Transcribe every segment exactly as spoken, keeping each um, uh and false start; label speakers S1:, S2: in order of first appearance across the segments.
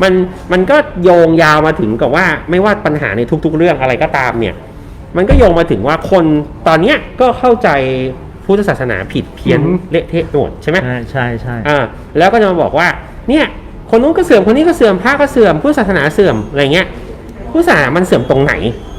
S1: มันมันก็โยงยาวมาถึงกับว่าไม่ว่าปัญหาในทุกๆเรื่องอะไรก็ตามเนี่ยมันก็โยงมาถึงว่าคนตอนเนี้ยก็เข้าใจพุทธศาสนาผิดเพี้ยนเละเทะหมดใช่ไหม
S2: ใช่ใช่ใช่
S1: อ่าแล้วก็จะมาบอกว่าเนี่ยคนนู้นก็เสื่อมคนนี้ก็เสื่อมพระก็เสื่อมพุทธศาสนาเสื่อมอะไรเงี้ยพุทธศาสนามันเสื่อมตรงไหน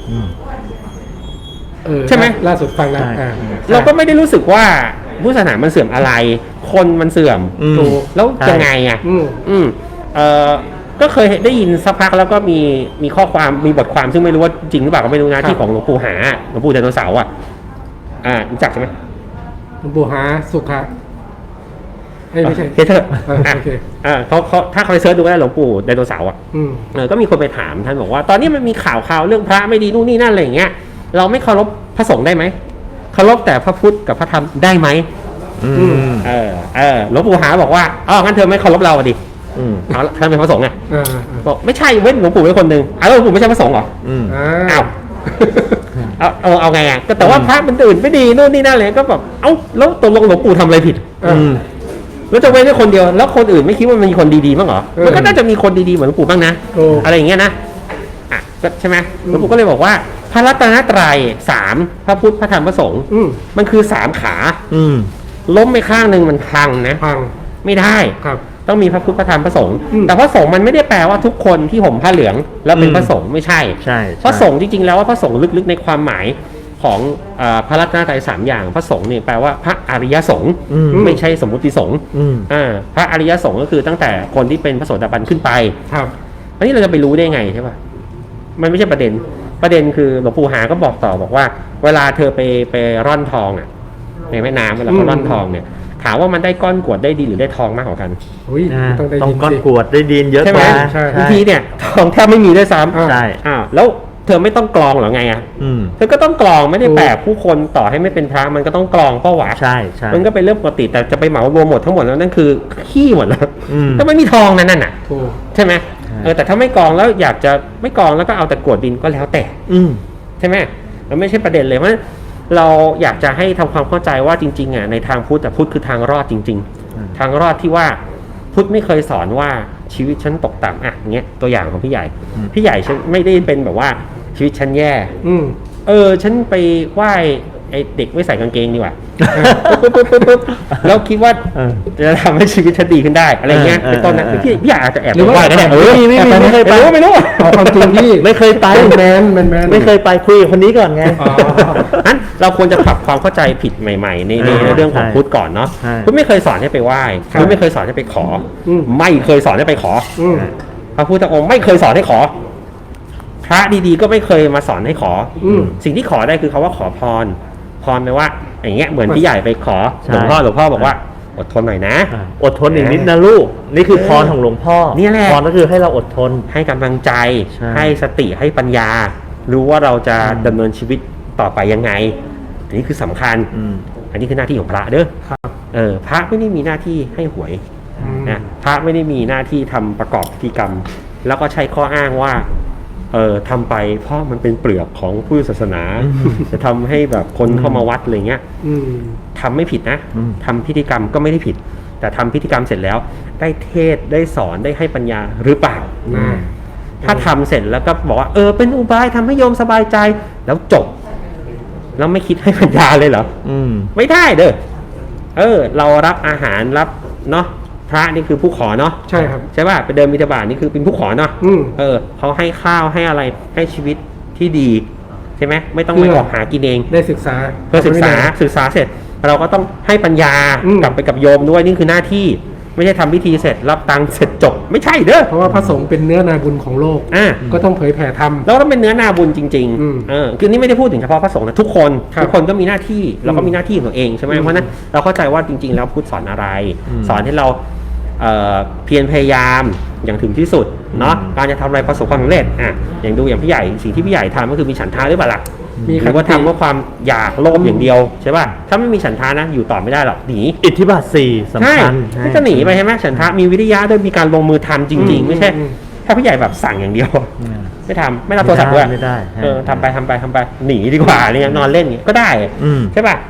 S1: ใช่ไหม
S3: ล่าสุดฟังแล้ว
S1: เราก็ไม่ได้รู้สึกว่าพุทธศาสนามันเสื่อมอะไรคนมันเสื่อมแล้วยังไงอ่ะอืมเออก็เคยได้ยินสักพักแล้วก็มีมีข้อความมีบทความซึ่งไม่รู้ว่าจริงหรือเปล่าก็ไม่รู้นะที่ของหลวงปู่หาหลวงปู่ไดโนเสาร์อ่ะอ่ารู้จักใช่ไหม
S3: หลวงปู่หาสุขะไม่ใช่
S1: เเถอะอ่าเขาเขาถ้าเขาไปเซิร์ชดูได้หลวงปู่ไดโนเสาร์อ่ะเออก็มีคนไปถามท่านบอกว่าตอนนี้มันมีข่าวข่าวเรื่องพระไม่ดีนู่นนี่นั่นอะไรอย่างเงี้ยเราไม่เคารพพระสงฆ์ได้ไหมเคารพแต่พระพุทธกับพระธรรมได้ไหมเออเออหลวงปู่หาบอกว่าอ๋องั้นเธอไม่เคารพเราดิเอาท่านเป็นพระสงฆ์ไงบอกไม่ใช่เว้นหลวงปู่เป็นคนหนึ่งอ้าวหลวงปู่ไม่ใช่พระสงฆ์เหรออ้าวเอาเอาเอาไงอ่ะแต่ว่าพระมันอื่นไม่ดีนู่นนี่นั่นเลยก็แบบเอ้าแล้วตกลงหลวงปู่ทำอะไรผิดแล้วจะเว้นแค่คนเดียวแล้วคนอื่นไม่คิดว่ามันมีคนดีๆบ้างเหรอมันก็น่าจะมีคนดีๆเหมือนหลวงปู่บ้างนะอะไรอย่างเงี้ยนะอ่ะใช่ไหมหลวงปู่ก็เลยบอกว่าพระรัตนตรัยสามพระพุทธพระธรรมพระสงฆ์มันคือสามขาล้มไปข้างหนึ่งมันพังนะ
S3: พัง
S1: ไม่ได้ต้องมีพระพุทธพระธรรมพระสงฆ์แต่พระสงฆ์มันไม่ได้แปลว่าทุกคนที่ห่มผ้าเหลืองแล้วเป็นพระสงฆ์ไม่ใช่พระสงฆ์จริงๆแล้วว่าพระสงฆ์ลึกๆในความหมายของพระรัตนตรัยสามอย่างพระสงฆ์เนี่ยแปลว่าพระอริยสงฆ์ไม่ใช่สมมุติสงฆ์พระอริยสงฆ์ก็คือตั้งแต่คนที่เป็นพระโสดาบันขึ้นไป
S3: ครับ
S1: อันนี้เราจะไปรู้ได้ไงใช่ป่ะมันไม่ใช่ประเด็นประเด็นคือหลวงปู่หาก็บอกต่อบอกว่าเวลาเธอไปไปร่อนทองอ่ะในแม่น้ำเวลาเขาร่อนทองเนี่ยถามว่ามันได้ก้อนกรวดได้ดีหรือได้ทองมากกว่ากัน
S2: ต้องก้อนกรวดได้ดีเยอะกว่า
S1: บางทีเนี่ยทองแทบไม่มีด้วยซ้ำใช่อ้าวแล้วเธอไม่ต้องกรองหรอไงอ่ะเธอก็ต้องกรองไม่ได้แปลกผู้คนต่อให้ไม่เป็นพระมันก็ต้องกรองก็หวะ
S2: ใช่ใช่
S1: มันก็เป็นเรื่องปกติแต่จะไปเหมารวมหมดทั้งหมดแล้วนั่นคือขี้หมดแล้วถ้าไม่มีทองนั่นน่ะใช่ไหมเออแต่ถ้าไม่กรองแล้วอยากจะไม่กรองแล้วก็เอาแต่กรวดดินก็แล้วแต่ใช่ไหมมันไม่ใช่ประเด็นเลยว่าเราอยากจะให้ทำความเข้าใจว่าจริงๆอ่ะในทางพุทธแต่พุทธคือทางรอดจริงๆทางรอดที่ว่าพุทธไม่เคยสอนว่าชีวิตฉันตกต่ำอ่ะเงี้ยตัวอย่างของพี่ใหญ่พี่ใหญ่ฉันไม่ได้เป็นแบบว่าชีวิตฉันแย่เออฉันไปไหว้ไอเด็กไม่ใส่กางเกงดีกว่าแล้วคิดว่าจะทำให้ชีวิตฉันดีขึ้นได้อะไรเงี้ยเป็นต้นนะพี่พี่อาจจะแอบไหว้ก็ได้เออ
S2: ไม่ไม่ไม่เคยไป
S1: ไม่รู้
S3: เอาความจริงพี่
S2: ไม่เคยไป
S3: แมนแมนแมน
S2: ไม่เคยไปคุยกับคนนี้ก่อนไง
S1: นั้นเราควรจะปรับความเข้าใจผิดใหม่ๆในในเรื่องของพุทธก่อนเนาะพุทธไม่เคยสอนให้ไปไหว้พุทธไม่เคยสอนให้ไปขอไม่เคยสอนให้ไปขอพระพุทธองค์ไม่เคยสอนให้ขอพระดีๆก็ไม่เคยมาสอนให้ขอสิ่งที่ขอได้คือเขาว่าขอพรพรแปลว่าอย่างเงี้ยเหมือนพี่ใหญ่ไปขอหลวงพ่อหลวงพ่อบอกว่าอดทนหน่อยนะ
S2: อดทนอีกนิดนะลูกนี่คือพรของหลวงพ่อ
S1: นี่แหละ
S2: พรก็คือให้เราอดทน
S1: ให้กำลังใจให้สติให้ปัญญารู้ว่าเราจะดำเนินชีวิตต่อไปยังไงอันนี้คือสำคัญอันนี้คือหน้าที่ของพระเด้อเออพระไม่ได้มีหน้าที่ให้หวยนะพระไม่ได้มีหน้าที่ทำประกอบพิธีกรรมแล้วก็ใช้ข้ออ้างว่าเออทำไปเพราะมันเป็นเปลือกของพุทธศาสนาจะทำให้แบบคนเข้ามาวัดอะไรเงี้ยทำไม่ผิดนะทำพิธีกรรมก็ไม่ได้ผิดแต่ทำพิธีกรรมเสร็จแล้วได้เทศได้สอนได้ให้ปัญญาหรือเปล่าถ้าทำเสร็จแล้วก็บอกว่าเออเป็นอุบายทำให้โยมสบายใจแล้วจบแล้วไม่คิดให้ปัญญาเลยเหรอไม่ได้เด้อเออเรารับอาหารรับเนาะพระนี่คือผู้ขอเนาะ
S3: ใช่ครับ
S1: ใช่ป่ะไปเดินบิณฑบาตนี่คือเป็นผู้ขอเนาะเออเขาให้ข้าวให้อะไรให้ชีวิตที่ดีใช่ไหมไม่ต้องไปออกหากินเอง
S3: ได้ศึกษา
S1: เพื่อศึกษาศึกษาเสร็จเราก็ต้องให้ปัญญากลับไปกับโยมด้วยนี่คือหน้าที่ไม่ใช่ทำพิธีเสร็จรับตังค์เสร็จจบไม่ใช่เด้อ
S3: เพราะว่าพระสงฆ์เป็นเนื้อนาบุญของโลกก็ต้องเผยแผ่ธรรม
S1: แล้วต้องเป็นเนื้อนาบุญจริงๆเออคือนี่ไม่ได้พูดถึงเฉพาะพระสงฆ์นะทุกคนทุกคนก็มีหน้าที่แล้วก็มีหน้าที่ของตัวเองใช่ไหมเพราะนั้นเราเข้าใจว่าจริงๆแล้วพุทธสอนอะไรสอนให้เราเ, เพียรพยายามอย่างถึงที่สุดเนาะการจะทำอะไรประสบความสำเร็จอ่ะอย่างดูอย่างพี่ใหญ่สิ่งที่พี่ใหญ่ทำก็คือมีฉันทาหรือเปล่าล่ะมีหรือว่าทำว่าความอยากโลภอย่างเดียวใช่ป่ะถ้าไม่มีฉันทานะอยู่ต่อไม่ได้หรอกหนี
S2: อิทธิบาทสี่สำคัญ
S1: ไม่จะหนีไปใช่ไหมฉันทามีวิทยาด้วยมีการลงมือทำจริงๆไม่ใช่ถ้าพี่ใหญ่แบบสั่งอย่างเดียวไม่ทำไม่รับโทรศัพท์ด้วยเออทำไปทำไปทำไปหนีดีกว่าเนี่ยนอนเล่นก็ได้ใช่ป่ะเ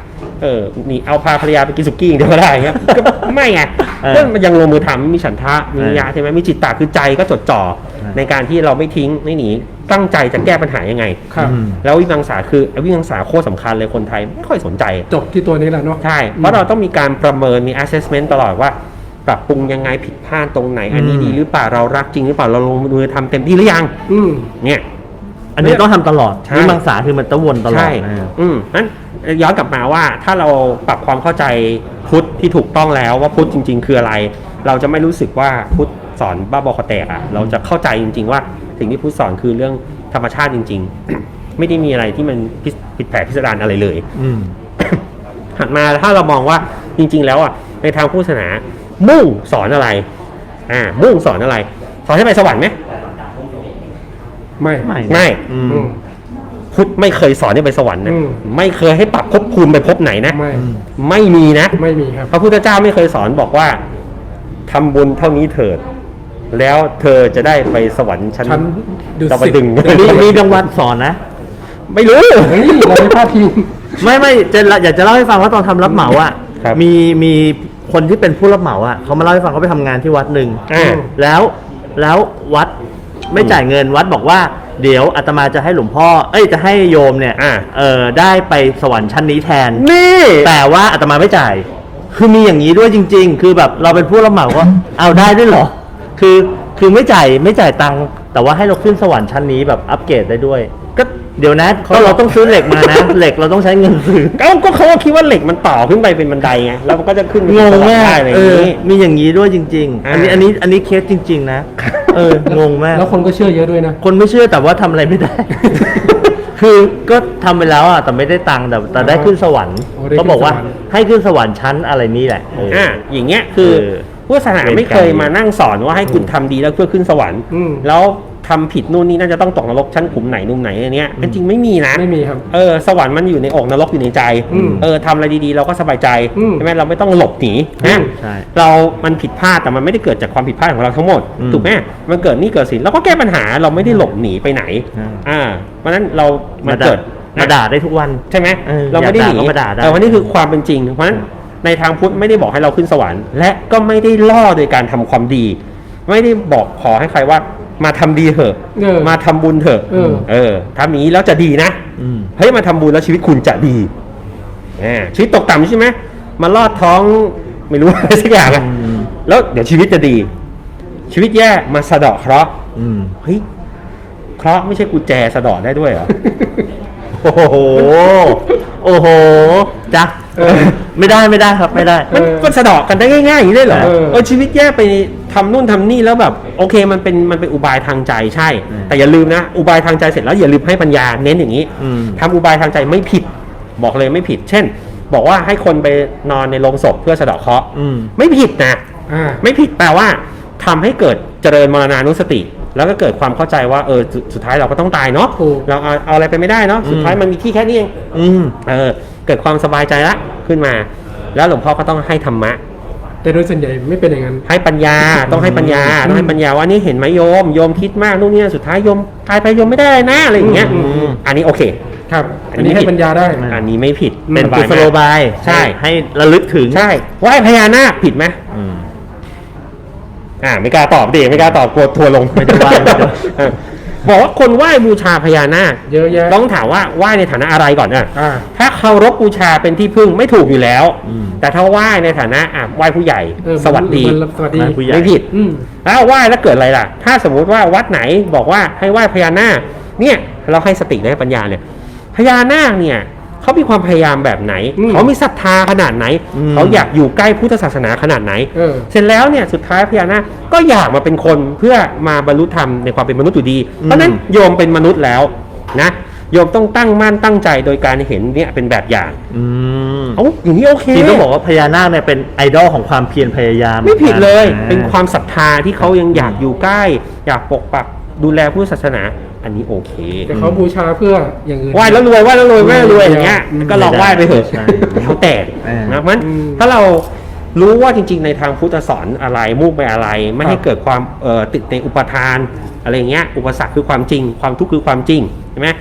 S1: เออนี่เอาพาภรรยาไปกินสุกี้อย่างเดียวก็ได้เงี้ยก็ไม่ไง
S2: เออ
S1: ก็มันยังลงมือทำมีฉันทะมียะใช่ไหมมีจิตตะคือใจก็จดจ่อ
S2: เออ
S1: ในการที่เราไม่ทิ้งไม่หนีตั้งใจจะแก้ปัญหายังไง
S3: ครับ
S2: อืม
S1: แล้ววิมังสาคือวิมังสาโคตรสำคัญเลยคนไทยไม่ค่อยสนใจ
S3: จบที่ตัวนี้แหละเนาะ
S1: ใช่ เพราะเราต้องมีการประเมินมี assessment ตลอดว่า ปรับปรุงยังไงผิดพลาดตรงไหน อันนี้
S2: อืม
S1: ดีหรือเปล่าเรารักจริงหรือเปล่าเราลงมือทำเต็มที่หรือยัง
S3: อืม
S1: เนี่ย
S2: อันนี้ต้องทำตลอด
S1: ใช่
S2: วิมังสาคือมันต้องวนตลอด
S1: ใช่
S2: นะ
S1: อืมนั้นย้อนกลับมาว่าถ้าเราปรับความเข้าใจพุทธที่ถูกต้องแล้วว่าพุทธจริง ๆ คืออะไร เราจะไม่รู้สึกว่าพุทธสอนบ้าบอคอแตกอ่ะเราจะเข้าใจจริง ๆ ว่าสิ่งที่พุทธสอนคือเรื่องธรรมชาติจริง ๆ ไม่ได้มีอะไรที่มันผิดผิดแผกพิสดารอะไรเลย
S2: อืม
S1: หันมาถ้าเรามองว่าจริง ๆ แล้วอ่ะในทางพุทธศาสนามุ่งสอนอะไร อ่า มุ่งสอนอะไร สอนให้ไปสวรรค์ไหม
S3: ไม่
S2: ไม่
S1: ไม่
S2: อื
S3: อื
S2: ม
S3: ม
S1: พุทธไม่เคยสอนให้ไปสวรรค์นะ
S3: อืม
S1: ไม่เคยให้ปรับภพภูมิไปภพไหนนะ
S3: ไม่
S1: ไม่มีนะ
S3: ไม่มีครับ
S1: พระพุทธเจ้าไม่เคยสอนบอกว่าทำบุญเท่านี้เถิด แล้วเธอจะได้ไปสวรรค์ชั้น
S3: ชั้นดุ
S1: ดาว
S3: สิต
S1: ดึงส์
S2: มีมีรางวัลสอนนะ
S1: ไม่รู้
S3: เฮ้ยเราไม่พลาดพิง
S2: ไม่ไม่จะอยากจะเล่าให้ฟังว่าตอนทำรับเหมาอ่ะ
S1: ครับ
S2: มีมีคนที่เป็นผู้รับเหมาอ่ะเขามาเล่าให้ฟังเขาไปทำงานที่วัดหนึ่ง
S1: อ่า
S2: แล้วแล้ววัดไม่จ่ายเงินวัดบอกว่าเดี๋ยวอาตมาจะให้หลวงพ่อ เอ้ยจะให้โยมเนี่ย
S1: อ่า
S2: เออได้ไปสวรรค์ชั้นนี้แทน
S1: นี่
S2: แต่ว่าอาตมาไม่จ่าย คือมีอย่างนี้ด้วยจริง ๆ คือแบบเราเป็นผู้รับเหมาก็ เอาได้ด้วยเหรอ คือคือไม่จ่ายไม่จ่ายตังค์แต่ว่าให้เราขึ้นสวรรค์ชั้นนี้แบบอัปเกรดได้ด้วย ก็เดี๋ยวนะก็เราต้องซื้อเหล็กมานะ เหล็กเราต้องใช้เงินซื้อ
S1: ก็ก็เขาก็คิดว่าเหล็กมันต่อขึ้นไปเป็นบันไดไงแล้วมันก็จะขึ้นไป
S2: งง
S1: สวรร
S2: มา
S1: ค์
S2: ก
S1: ได้อะไรอ
S2: เอย่าง อ
S1: นี้
S2: มีอย่างนี้ด้วยจริง ๆ
S1: อ่า
S2: อันนี้อันนี้อันนี้เคสจริง ๆ นะ เอองงมาก
S3: แล้วคนก็เชื่อเยอะด้วยนะ
S2: คนไม่เชื่อแต่ว่าทำอะไรไม่ได้ คือก็ทำไปแล้วอ่ะแต่ไม่ได้ตังค์แต่แต่ได้ขึ้นสวรรค์
S3: โอ้ได้ขึ้น
S2: เขาบอกว่า
S3: สวรรค์
S2: ให้ขึ้นสวรรค์ชั้นอะไรนี่แหละเอออ
S1: อ่าอย่างเงี้ยคือ
S2: เออ
S1: พุทธศาสนาไม่เคยมานั่งสอนว่าให้คุณทำดีแล้วเพื่อขึ้นสวรรค์
S3: อืม
S1: แล้วทำผิดนู่นนี่น่าจะต้องตกนรกชั้นขุมไหนนุ่มไหนอันเนี้ยจริงๆไม่มีนะ
S3: ไม่มีครับ
S1: เออสวรรค์มันอยู่ในอกนรกอยู่ในใจ
S3: อืม
S1: เออทำอะไรดีๆ เราก็สบายใจ
S3: อืม
S1: ใช่ไหมเราไม่ต้องหลบหนีนะ
S2: ใช่
S1: เรามันผิดพลาดแต่มันไม่ได้เกิดจากความผิดพลาดของเราทั้งหมด
S2: อืม
S1: ถูกไหมมันเกิดหนี่เกิดสินเราก็แก้ปัญหาเราไม่ได้หลบหนีไปไหน
S2: อ่า
S1: อ่าเพราะฉะนั้นเรามัน
S2: มาด่า
S1: เกิด
S2: มาด่าได้ทุกวัน
S1: ใช่ไหม
S2: เออ
S1: เราไม่ได้หนี
S2: อยากด่าก็มาด่าได้
S1: แต่วันนี้คือความเป็นจริง เพราะฉะนั้นในทางพุทธไม่ได้บอกให้เราขึ้นสวรรค์ และก็ไม่ได้ล่อโดยการทำความดี ไม่ได้บอกขอให้ใครว่ามาทำดีเถอะ
S3: เออ
S1: มาทำบุญเถอะ
S3: เออ
S1: เออทำอย่างนี้แล้วจะดีนะ
S2: อืม
S1: เฮ้ยมาทำบุญแล้วชีวิตคุณจะดีอ่าชีวิตตกต่ำใช่ไหมมาลอดท้องไม่รู้ อะไรสักอย่างอะ
S2: อืม
S1: แล้วเดี๋ยวชีวิตจะดี ชีวิตแย่มาสะเดาะเคราะห์
S2: อืม
S1: เฮ้ยเคราะห์ไม่ใช่กุญแจสะเดาะได้ด้วยเหรอ
S2: โอ้โห โอ้โหจ้ะ
S3: เออ
S2: ไม่ได้ไม่ได้ครับไม่ได้
S1: มัน
S3: เออ
S1: มันสะเดอกกันได้ง่ายๆอย่างนี้ได้เหรอ
S3: เออ
S1: เออชีวิตแย่ไปทำนู่นทำนี่แล้วแบบโอเคมันเป็นมันเป็นอุบายทางใจใช่
S2: อืม
S1: แต่อย่าลืมนะ อุบายทางใจเสร็จแล้วอย่าลืมให้ปัญญาเน้นอย่างนี้
S2: อืม
S1: ทำอุบายทางใจไม่ผิด บอกเลยไม่ผิด เช่น บอกว่าให้คนไปนอนในโรงศพเพื่อสะเดาะเคราะห์
S2: อืม
S1: ไม่ผิดนะ
S3: อ่า
S1: ไม่ผิดแต่ว่าทำให้เกิดเจริญมรณานุสติ แล้วก็เกิดความเข้าใจว่าเออสุดสุดท้ายเราก็ต้องตายเนาะ
S3: ถูก
S1: เราเอาเอาอะไรไปไม่ได้เนาะสุดท้ายมันมีที่แค่นี้เอง
S2: อืม
S1: เออเกิดความสบายใจละขึ้นมา แล้วหลวงพ่อก็ต้องให้ธรรมะ
S3: แต่โดยส่วนใหญ่ไม่เป็นอย่างนั้น
S1: ให้ปัญญาต้องให้ปัญญาต้องให้ปัญญาว่านี่เห็นไหมโยมโยมคิดมากนู่นนี่สุดท้ายโยมตายไปโยมไม่ได้เลยนะอะไรอย่างเงี้ย
S3: อืมอืม
S1: อันนี้โอเค
S3: ครับ
S1: อั
S3: อั
S1: น
S3: น
S1: นี้
S3: นี้ให้
S1: ผิด
S3: ปัญญาได้
S1: อันนี้ไม่ผิด
S2: เป็น
S1: สบา
S2: กุ
S1: ย
S2: ศโล
S1: มาก
S2: บาย
S1: ใช่
S2: ให้ระลึกถึง
S1: ใช่ไหว้พญานาคผิดไหม
S2: อืม
S1: อ่าไม่กล้าตอบดิไม่กล้าตอบกลัวทัวร์ลง
S2: ไม่ได้ไหว้ไม่ได้
S1: เออบอกว่าคนไหว้บูชาพญานาค
S3: เยอะแยะ
S1: ต้องถามว่าไหว้ในฐานะอะไรก่อนอ่ะ
S3: อ่า
S1: ถ้าเคารพบูชาเป็นที่พึ่งไม่ถูกอยู่แล้ว
S2: อืม
S1: แต่ถ้าไหว้ในฐานะอ่ะไหว้ผู้ใหญ่
S3: เออ
S1: สวัสดี
S3: มันสวัสดี
S2: ไหว้ผู้ใหญ่
S1: ไม่ผิด
S3: อืม
S1: แล้วไหว้แล้วเกิดอะไรล่ะ ถ้าสมมุติว่าวัดไหนบอกว่าให้ไหว้พญานาค เนี่ยเราให้สติและให้ปัญญาเนี่ย พญานาคเนี่ยเขามีความพยายามแบบไหน
S3: อืม
S1: เขามีศรัทธาขนาดไหน
S2: อืม
S1: เขาอยากอยู่ใกล้พุทธศาสนาขนาดไหน
S3: เออ
S1: เสร็จแล้วเนี่ยสุดท้ายพญานาคก็อยากมาเป็นคนเพื่อมาบรรลุธรรมในความเป็นมนุษย์อยู่ดี เพราะฉะนั้นโยมเป็นมนุษย์แล้วนะโยมต้องตั้งมั่นตั้งใจโดยการเห็นเนี่ยเป็นแบบอย่าง
S2: อืม
S1: เอ้าอย่างนี้โอเค
S2: จริงต้องบอกว่าพญานาคเนี่ยเป็นไอดอลของความเพียรพยายาม
S1: ไม่ผิดเลย
S2: อ่า
S1: เป็นความศรัทธาที่เขายังอยากอยู่ใกล้ อยากปกปักดูแลพุทธศาสนา อันนี้โอเค
S3: แต่เขาบูชาเพื่ออย่างอื่น
S1: ไหว้แล้วรวยไหว้แล้วรวยไหว้แล้วรวยอย่างเงี้ย
S3: อืม
S1: ก็ลองไหว้ไปเถอะ
S2: ใช่
S1: แล้วแต่
S2: เออ
S1: นะมัน
S3: อืม
S1: ถ้าเรารู้ว่าจริง ๆ ในทางพุทธสอนอะไรมุ่งไปอะไร ไม่ให้
S3: ครับ
S1: เกิดความเอ่อติดในอุปทานอะไรเงี้ยอุปสรรคคือความจริง ความทุกข์คือความจริงใช่ไหม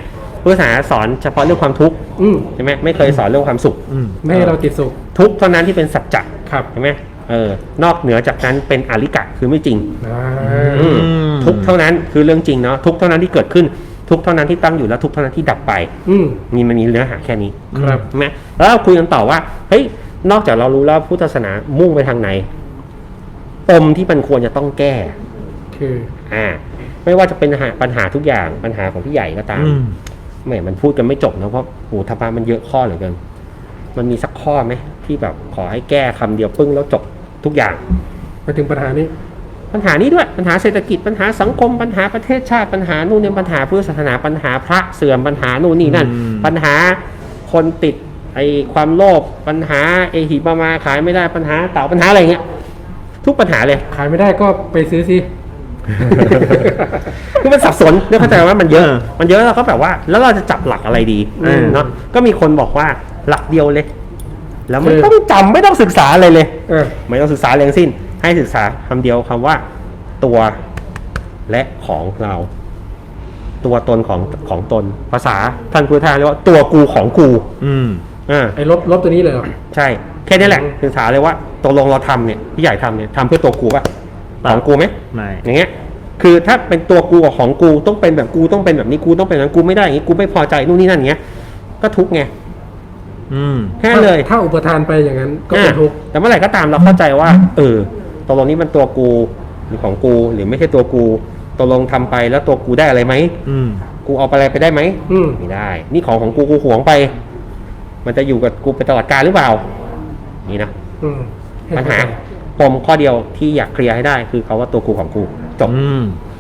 S1: พุทธศาสนาสอนเฉพาะเรื่องความทุกข์
S3: อืม
S1: ใช่ไหมไม่เคยสอนเรื่องความสุข
S2: อืม
S3: ไม่ให้เราติดสุข
S1: ทุกข์เท่านั้นที่เป็นสัจจะ
S3: ครับ
S1: ใช่ไหมเออนอกเหนือจากนั้นเป็นอริกะคือไม่จริง
S3: อ่า
S1: อืมทุกข์เท่านั้นคือเรื่องจริงเนาะทุกข์เท่านั้นที่เกิดขึ้นทุกข์เท่านั้นที่ตั้งอยู่แล้วทุกข์เท่านั้นที่ดับไป
S3: อืม
S1: มีมันมีเนื้อหาแค่นี้
S3: ครับ
S1: ใช่ไหมแล้วเราคุยกันต่อว่าเฮ้ยนอกจากเรารู้แล้วพุทธศาสนามุ่งไปทางไหนปมที่มันควรจะต้องแก้
S3: คือ
S1: อ่า ไม่ว่าจะเป็นปัญหาปัญหาทุกอย่างปัญหาของพี่ใหญ่ก็ตาม
S2: อืม
S1: แหมมันพูดกันไม่จบนะเพราะโหธรรมะมันเยอะข้อเหลือเกินมันมีสักข้อไหมที่แบบขอให้แก้คำเดียวปึ้งแล้วจบทุกอย่าง
S3: มาถึงปัญหานี้
S1: ปัญหานี้ด้วยปัญหาเศรษฐกิจปัญหาสังคมปัญหาประเทศชาติปัญหานู่นเนี่ยปัญหาพุทธศาสนาปัญหาพระเสื่อมปัญหานู่นนี่นั่น
S2: อืม
S1: ปัญหาคนติดไอความโลภปัญหาไอหิบมาขายไม่ได้ปัญหาเต่าปัญหาอะไรเงี้ยทุกปัญหาเลย
S3: ขายไม่ได้ก็ไปซื้อสิ
S1: คือมันสับสนเนี่ยเข้าใจว่ามันเยอะ
S2: เออ
S1: มันเยอะแล้วก็แบบว่า แล้วเราจะจับหลักอะไรดี
S3: อืม
S1: เนาะก็มีคนบอกว่าหลักเดียวเลย แล้วไม่
S3: คือ
S1: ต้องจำไม่ต้องศึกษาอะไรเลย
S3: เออ
S1: ไม่ต้องศึกษาอะไรทั้งสิ้น ให้ศึกษาคำเดียวคำว่าตัวและของเรา ตัวตนของของตนภาษาท่านพุทธทาสเรียกว่าตัวกูของกู
S2: อืม
S1: อ่า
S3: ไอ้ลบลบตัวนี้เลยเหรอ
S1: ใช่แค่นี้แหละ
S3: อืม
S1: ศึกษาเลยว่าตกลงเราทำเนี่ยพี่ใหญ่ทำเนี่ยทำเพื่อตัวกูป่ะ
S2: เปล่า
S1: ของกูไหม
S2: ไม่
S1: อย่างเงี้ย คือถ้าเป็นตัวกูกับของกูต้องเป็นแบบกูต้องเป็นแบบนี้กูต้องเป็นแบบนั้นกูไม่ได้อย่างนี้กูไม่พอใจนู่นนี่นั่นอย่างเงี้ย ก็ทุกข์ไง
S2: อืม
S1: แค่เลย
S3: ถ้าถ้าอุปทานไปอย่างนั้นก็เป็นทุกข์
S1: อ่ะแต่เมื่อไหร่ก็ตามเราเข้าใจว่า เออตกลงนี้มันตัวกูหรือของกูหรือไม่ใช่ตัวกูตกลงทำไปแล้วตัวกูได้อะไรไหม
S2: อืม
S1: กูเอาไปอะไรไปได้ไหม
S3: อืม
S1: ไม่ได้ นี่ของของกูกูหวงไป มันจะอยู่กับกูไปตลอดกาลหรือเปล่า นี่นะ
S3: อืม
S1: ปัญหาปมข้อเดียวที่อยากเคลียร์ให้ได้คือเขาว่าตัวกูของกูจบ
S2: อืม